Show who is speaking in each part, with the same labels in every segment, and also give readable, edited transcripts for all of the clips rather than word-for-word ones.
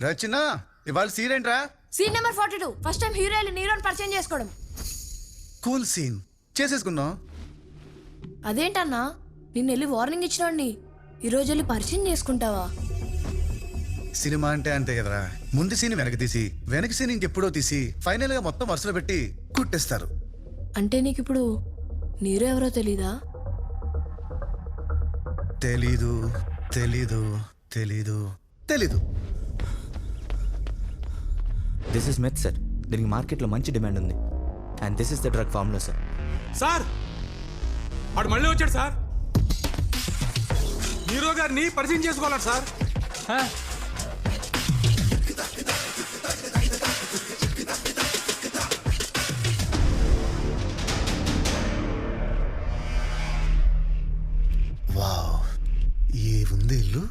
Speaker 1: రచన ఇవాళ సీన్ ఏంట్రా?
Speaker 2: Scene number 42 first time hero నీరోని పరిచయం చేసుకోవడం.
Speaker 1: కూల్ సీన్ చేసేసుకుందాం.
Speaker 2: అదేంటన్నా నిన్ను వెళ్ళి వార్నింగ్ ఇచ్చినాడిని ఈరోజు వెళ్ళి పరిచయం చేసుకుంటావా?
Speaker 1: సినిమా అంటే అంతే కదరా, ముందు సీన్ వెనక తీసి వెనక సీన్ ఇంకెప్పుడో తీసి ఫైనల్ గా మొత్తం వరుసలో పెట్టి కుట్టేస్తారు.
Speaker 2: అంటే నీకు ఇప్పుడు నీరో ఎవరో తెలీదా?
Speaker 1: తెలీదు తెలీదు తెలీదు తెలీదు.
Speaker 3: This is meth sir. దీనికి మార్కెట్లో మంచి డిమాండ్ ఉంది. And this is the drug formula sir.
Speaker 4: Sir వాడు మళ్ళీ వచ్చాడు సార్. హీరో గారిని పరిచయం చేసుకోవాలంట సార్.
Speaker 1: వావ్, ఏ ఉంది ఇల్లు.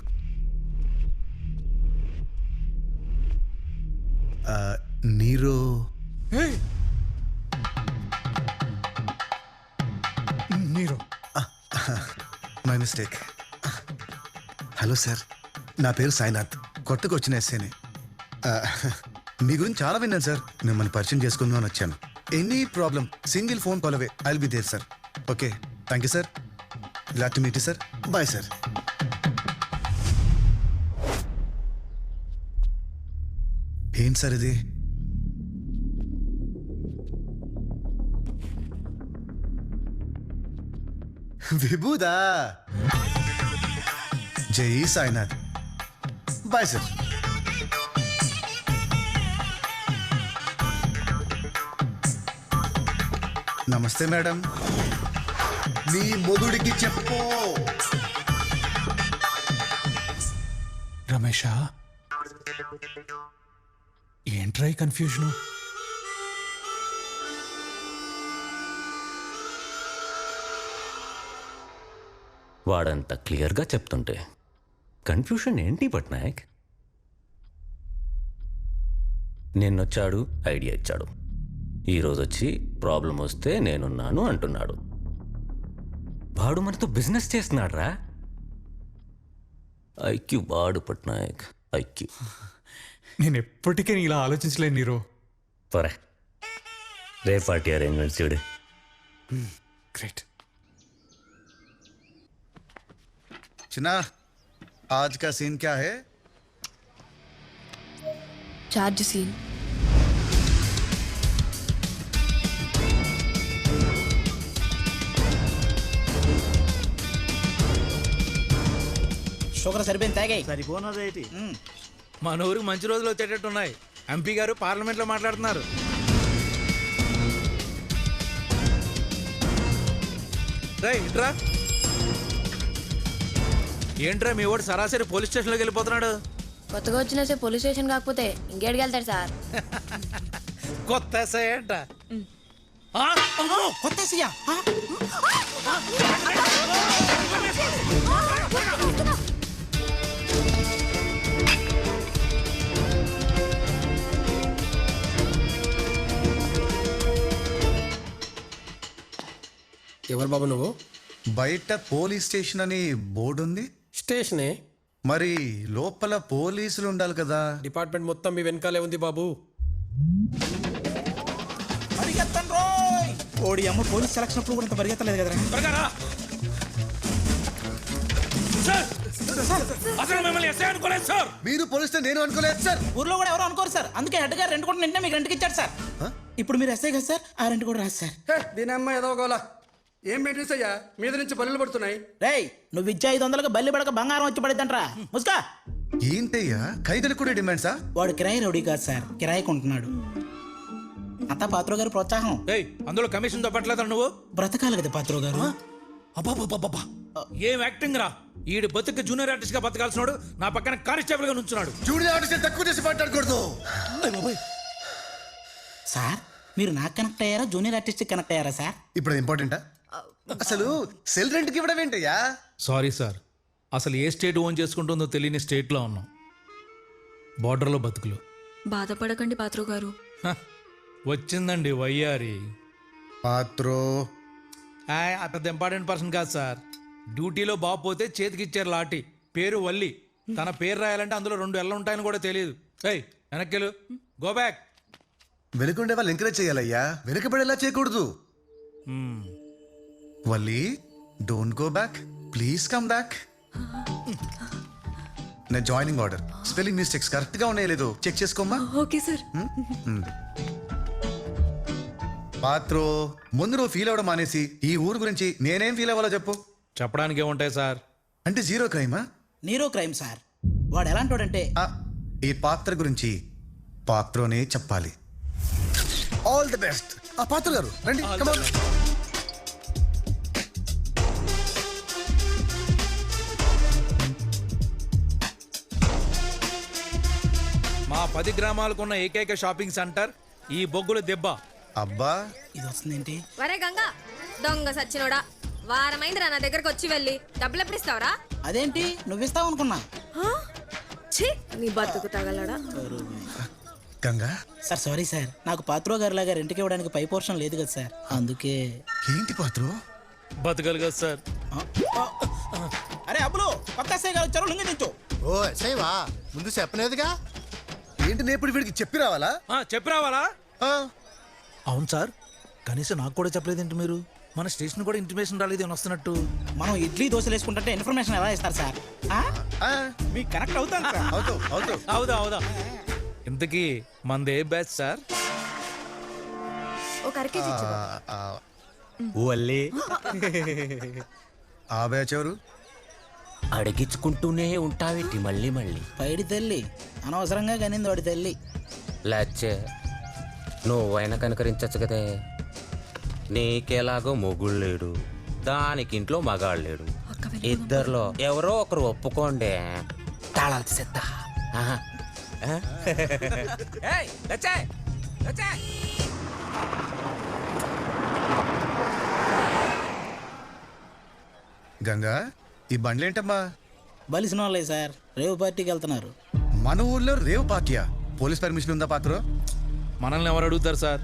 Speaker 1: Nero
Speaker 4: Nero
Speaker 1: my mistake. Hello sir, నా పేరు సాయినాథ్, కొత్తగా వచ్చిన ఎస్ఏని. మీ గురించి చాలా విన్నాను సార్, మిమ్మల్ని పరిచయం చేసుకుందామని వచ్చాను. Any problem single phone call away, I will be there sir. Okay, thank you sir. Glad to meet you sir. Bye sir. ఏంటి సార్ ఇది? విభూదా. జై సాయినాథ్. Bye sir. నమస్తే మేడం. నీ మొగుడికి చెప్పు.
Speaker 4: రమేష ఏంట్రా ఈ కన్ఫ్యూజను?
Speaker 5: వాడంత క్లియర్గా చెప్తుంటే కన్ఫ్యూషన్ ఏంటి పట్నాయక్? నిన్నొచ్చాడు, ఐడియా ఇచ్చాడు, ఈరోజు వచ్చి ప్రాబ్లం వస్తే నేనున్నాను అంటున్నాడు. వాడు మనతో బిజినెస్ చేస్తున్నాడు రా. ఐక్యూ వాడు పట్నాయక్, ఐక్యూ.
Speaker 4: నేను ఎప్పటికీ ఇలా ఆలోచించలేను నీరో.
Speaker 5: పరే రే పార్టీ అరేంజ్మెంట్స్ చూడు.
Speaker 4: గ్రేట్.
Speaker 1: చిన్నా, आज का सीन क्या है?
Speaker 2: Charge scene.
Speaker 6: షుగర్ సరిపోయింది, తాగాయి.
Speaker 7: సరిపోనదేటి.
Speaker 6: మన ఊరికి మంచి రోజులు వచ్చేటట్టున్నాయి. ఎంపీ గారు పార్లమెంట్లో మాట్లాడుతున్నారు. ఇట్రా. ఏంట్రా మీ వాడు సరాసరి పోలీస్ స్టేషన్లోకి వెళ్ళిపోతున్నాడు?
Speaker 2: కొత్తగా వచ్చిన పోలీస్ స్టేషన్ కాకపోతే ఇంకేడికి వెళ్తాడు సార్?
Speaker 6: కొత్త ఎస్ఐ అంట.
Speaker 7: కొత్త సీయా?
Speaker 8: ఎవరు బాబు నువ్వు?
Speaker 1: బయట పోలీస్ స్టేషన్ అని బోర్డు ఉంది.
Speaker 8: స్టేషనే
Speaker 1: మరి లోపల పోలీసులు ఉండాలి కదా.
Speaker 8: డిపార్ట్మెంట్ మొత్తం మీ వెనకాలే ఉంది బాబు.
Speaker 7: ఓడి అమ్మ పోలీస్ సెలక్షన్ అప్పుడు కూడా ఇంత పరిగెత్తలేదు కదరా.
Speaker 1: మీరు పోలీస్ నేను అనుకోలేదు సార్.
Speaker 7: ఊర్లో కూడా ఎవరు అనుకోరు సార్, అందుకే హెడ్ గారు రెంట్ కూడా నిన్నే మీకు రెంట్కి ఇచ్చారు సార్. ఇప్పుడు మీరు ఎస్ఐ కదా సార్, ఆ రెంట్ కూడా రాదు సార్.
Speaker 8: దీని అమ్మ ఏదో గోలా. ఏం మెయింటెన్స్ అయ్యా, మీద నుంచి బల్లులు పడుతున్నాయి.
Speaker 7: రేయ్, నువ్వు ఇచ్చే 500కి బల్లి పడక బంగారం వచ్చి పడిద్దంట్రా. ముసుకా.
Speaker 1: ఏంటయ్యా ఖైదీలకు కూడా డిమాండ్సా?
Speaker 7: వాడు కిరాయి రౌడీ కాదు సార్, కిరాయి కొంటున్నాడు. అంతా పాత్రో గారి ప్రోత్సాహం.
Speaker 6: అందులో కమిషన్ తప్పట్లేదు నువ్వు.
Speaker 7: బ్రతకాలి కదా పాత్రో గారు.
Speaker 6: అబ్బాబాబాబా, ఏం యాక్టింగ్ రా. ఈడు బతుకు జూనియర్ ఆర్టిస్ట్ గా బతకాల్సినాడు, నా పక్కన కానిస్టేబుల్ గా నుంచున్నాడు.
Speaker 1: జూనియర్ ఆర్టిస్ట్ తక్కువ చేసి మాట్లాడకూడదు
Speaker 7: సార్. మీరు నాకు కనెక్ట్ అయ్యారా, జూనియర్ ఆర్టిస్ట్ కనెక్ట్ అయ్యారా సార్?
Speaker 1: ఇప్పుడు ఇంపార్టెంటా? అసలు సెల్ రెంట్కి ఇవ్వడం ఏంటయ్యా?
Speaker 6: సారీ సార్, అసలు ఏ స్టేట్ ఓన్ చేసుకుంటుందో తెలియని స్టేట్లో ఉన్నాం. బార్డర్లో బతుకులు.
Speaker 2: బాధపడకండి పాత్రో గారు.
Speaker 6: వచ్చిందండి వయ్యారి.
Speaker 1: పాత్రో
Speaker 6: పెద్ద ఇంపార్టెంట్ పర్సన్ కాదు సార్. డ్యూటీలో బాబు పోతే చేతికి ఇచ్చారు లాఠీ. పేరు వల్లి. తన పేరు రాయాలంటే అందులో 2 ఎల్ల ఉంటాయని కూడా తెలియదు. ఏయ్ వెనక్కిలు గో బ్యాక్.
Speaker 1: వెనుకుండే వాళ్ళు ఎంకరేజ్ చేయాలయ్యా, వెనుకబడేలా చేయకూడదు. Valli don't go back, please come back. నా joining order spelling mistakes correct గా ఉన్నాయో లేదో చెక్ చేసుకోమ్మా.
Speaker 2: Okay sir.
Speaker 1: పాత్రో, ముందు నువ్వు ఫీల్ అవ్వడం మానేసి ఈ ఊరు గురించి నేనేం ఫీల్ అవ్వాలో చెప్పు.
Speaker 6: చెప్పడానికి ఏముంటాయి సార్?
Speaker 1: అంటే జీరో క్రైమా?
Speaker 7: Nero crime sir. వాడు ఎలాంటోడంటే
Speaker 1: ఈ పాత్ర గురించి పాత్రోనే చెప్పాలి. All the best. ఆ పాత్ర గారు రండి. Come on.
Speaker 6: మా 10 గ్రామాలకున్న ఏకైక షాపింగ్ సెంటర్ ఈ బొగ్గుల దెబ్బ.
Speaker 1: అబ్బా,
Speaker 7: ఇది వస్తుందేంటి?
Speaker 9: వరే గంగా దొంగ సచ్చినోడా, వారమైందిరా నా దగ్గరకు వచ్చి వెళ్ళి డబ్బులు ఎప్పుడు ఇస్తావరా?
Speaker 7: అదేంటి నువ్విస్తావు అనుకున్నా.
Speaker 9: ఛీ నీ బతుకు తగలడా.
Speaker 1: గంగా
Speaker 7: సార్ సారీ సార్, నాకు పాత్రో గారి లాగా రెంట్కి ఇవ్వడానికి పై పోర్షన్ లేదు కదా సార్, అందుకే.
Speaker 1: ఏంటి పాత్రో?
Speaker 6: బతకలు కదా సార్.
Speaker 7: అరే అబ్బులు పక్క గారు వచ్చారు, లుంగి దించు.
Speaker 10: ఓ ఎస్ఐవా, ముందు చెప్పలేదుగా.
Speaker 1: ఏంటి నేను ఇప్పుడు వీడికి చెప్పి రావాలా?
Speaker 6: చెప్పి రావాలా?
Speaker 1: ఆ,
Speaker 6: అవును సార్, కనీసం నాకు కూడా చెప్పలేదేంటి మీరు? మన స్టేషన్ కూడా ఇంటిమేషన్ రాలేదు అని వస్తున్నట్టు.
Speaker 7: మనం ఇడ్లీ దోశలు వేసుకుంటే ఇన్ఫర్మేషన్ ఎలా ఇస్తారు సార్?
Speaker 1: ఆ,
Speaker 7: మీకు కనెక్ట్ అవుతాను సార్.
Speaker 1: అవుతావు అవుతావు.
Speaker 6: అవుదా అవుదా. ఇంతకీ మంది ఏ బ్యాచ్ సార్?
Speaker 9: ఒక అరకేజీ ఇచ్చుకో.
Speaker 3: వల్లి
Speaker 1: ఆ బ్యాచ్ ఎవరు?
Speaker 5: అడిగించుకుంటూనే ఉంటావేటి మళ్ళీ మళ్ళీ.
Speaker 7: పైడి తల్లి అనవసరంగా కనింది వాడి తల్లి.
Speaker 5: లేచే నువ్వైనా కనుకరించచ్చు కదే. నీకెలాగో మొగుడు లేడు, దానికి ఇంట్లో మగాడు లేడు. ఇద్దరిలో ఎవరో ఒకరు ఒప్పుకోండి, తాళాలు తీసేద్దా.
Speaker 1: గంగా, ఈ బండ్లేంటమ్మా?
Speaker 7: బలిసిన వాళ్ళే సార్, రేవు పార్టీకి వెళ్తున్నారు.
Speaker 1: మన ఊర్లో రేవ్ పార్టీయా? పోలీస్ పర్మిషన్ ఉందా పాత్రో?
Speaker 6: మనల్ని ఎవరు అడుగుతారు సార్?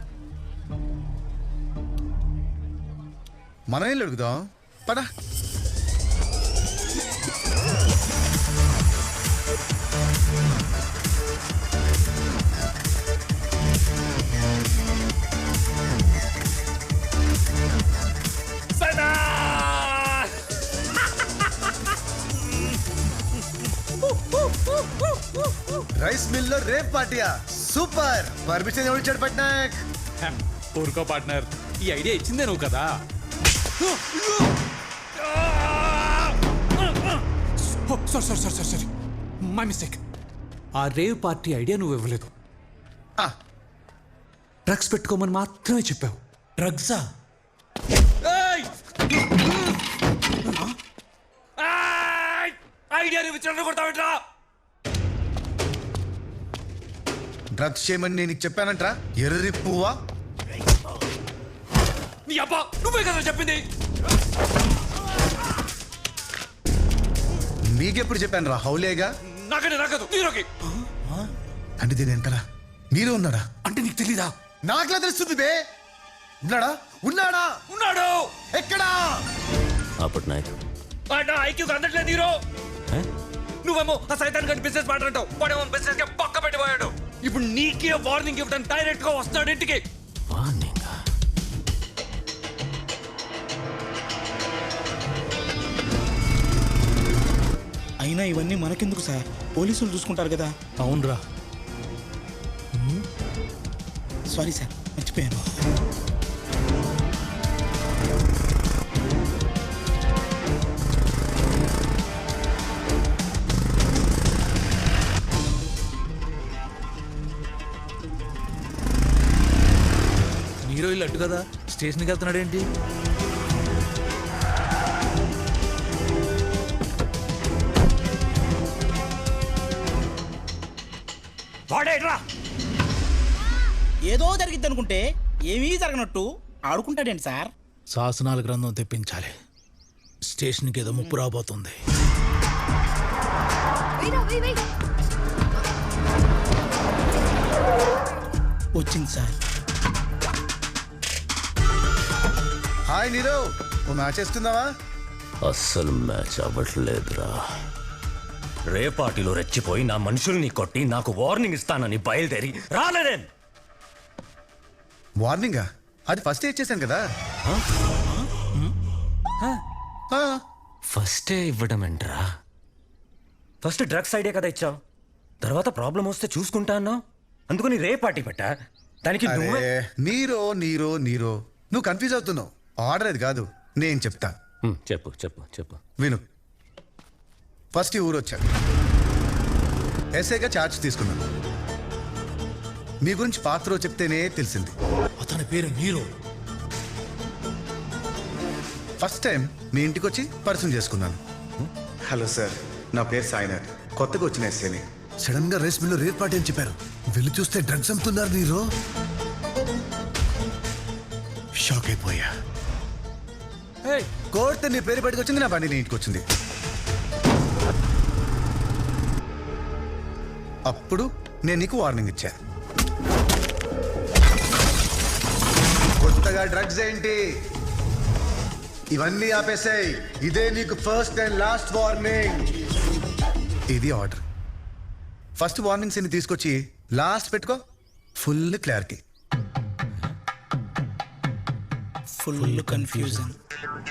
Speaker 1: మనం ఏం అడుగుదాం పదా. రైస్ మిల్ లో రేవ్ పార్టీయా? సూపర్. పర్మిషన్ ఎవరు ఇచ్చాడు పట్నాయక్?
Speaker 4: ఊరుకో పార్ట్నర్, ఈ ఐడియా ఇచ్చిందే నువ్వు కదా. Sorry my mistake. ఆ రేవ్ పార్టీ ఐడియా నువ్వు ఇవ్వలేదు, డ్రగ్స్ పెట్టుకోమని మాత్రమే చెప్పావు.
Speaker 6: డ్రగ్సా?
Speaker 4: ఐడియా నువ్వు ఇచ్చిన కొడతావేట్రా?
Speaker 1: డ్రగ్స్ చేయమని నేను నీకు చెప్పానంట్రా, ఎర్రి పువ్వా.
Speaker 4: నీ అబ్బా నువ్వే కదా చెప్పింది.
Speaker 1: మీకెప్పుడు చెప్పాను రా హౌలేగా?
Speaker 4: నాకంటే నాకదు నీరోకి.
Speaker 1: అంటే దీని వెనకాల మీరు ఉన్నాడా?
Speaker 4: అంటే నీకు తెలీదా?
Speaker 1: నాకులా తెలుస్తుంది బే. ఉన్నాడా? ఉన్నాడా?
Speaker 4: ఉన్నాడు.
Speaker 1: ఎక్కడా?
Speaker 5: అప్పుడు నాయకు
Speaker 4: ఐక్యూకి అందట్లేదు హీరో. నువ్వేమో ఆ సైతాన్ గడి బిజినెస్ మాట్లాడతావు, వాడేమో బిజినెస్ గా పక్క పెట్టిపోయాడు. ఇప్పుడు నీకే వార్నింగ్ ఇవ్వడానికి డైరెక్ట్ గా వస్తాడు ఇంటికి.
Speaker 7: అయినా ఇవన్నీ మనకెందుకు సార్, పోలీసులు చూసుకుంటారు కదా.
Speaker 6: అవునరా.
Speaker 7: సారీ సార్, మర్చిపోయాను.
Speaker 6: హీరో ఇల్లు అట్టు కదా, స్టేషన్కి వెళ్తున్నాడు ఏంటి?
Speaker 4: వాడేట్రా?
Speaker 7: ఏదో జరిగిద్ది అనుకుంటే ఏమీ జరగనట్టు ఆడుకుంటాడేంటి సార్?
Speaker 6: శాసనాల గ్రంథం తెప్పించాలి, స్టేషన్కి ఏదో ముప్పు రాబోతుంది.
Speaker 7: వచ్చింది సార్.
Speaker 1: హాయ్ నీరో, ఓ మ్యాచ్ వేస్తున్నావా?
Speaker 5: అస్సలు మ్యాచ్ అవ్వట్లేదురా.
Speaker 4: రేపాటిలో రెచ్చిపోయి నా మనుషుల్ని కొట్టి నాకు వార్నింగ్ ఇస్తానని బయలుదేరి రాలేదే.
Speaker 1: వార్నింగా? అది ఫస్ట్ ఇచ్చేసాను కదా. ఆ,
Speaker 4: ఫస్టే ఇవ్వడం ఏంట్రా? ఫస్ట్ డ్రగ్స్ ఐడియా కదా ఇచ్చావు, తర్వాత ప్రాబ్లం వస్తే చూసుకుంటా అన్నావు. అందుకని రేపాటి పెట్టా. దానికి నువ్వే
Speaker 1: అరే నీరో నీరో నీరో, నువ్వు కన్ఫ్యూజ్ అవుతున్నావు. ఆర్డర్ అది కాదు, నేను చెప్తా.
Speaker 4: చెప్పు చెప్పు చెప్పు.
Speaker 1: విను. ఫస్ట్ ఈ ఊరు వచ్చాను, ఎస్ఐగా ఛార్జ్ తీసుకున్నాను. మీ గురించి పాత్ర చెప్తేనే తెలిసింది.
Speaker 6: అతని పేరు నీరో.
Speaker 1: ఫస్ట్ టైం మీ ఇంటికి వచ్చి పరిచయం చేసుకున్నాను. హలో సార్, నా పేరు సాయినాథ్, కొత్తగా వచ్చిన ఎస్ఐని. సడన్ గా రేస్ మిల్లో రేర్ పార్టీ అని చెప్పారు. వెళ్ళి చూస్తే డ్రగ్స్ అమ్ముతున్నారు. నీరో షాక్ అయిపోయా. కోర్టు నీ పేరు బయటకు వచ్చింది, నా బండి నీ ఇంటికి వచ్చింది. అప్పుడు నేను నీకు వార్నింగ్ ఇచ్చా. కొత్తగా డ్రగ్స్ ఏంటి, ఇవన్నీ ఆపేసాయి. ఇదే నీకు ఫస్ట్ అండ్ లాస్ట్ వార్నింగ్. ఇది ఆర్డర్. ఫస్ట్ వార్నింగ్స్ ని తీసుకొచ్చి లాస్ట్ పెట్టుకో. Full clarity.
Speaker 7: Full confusion.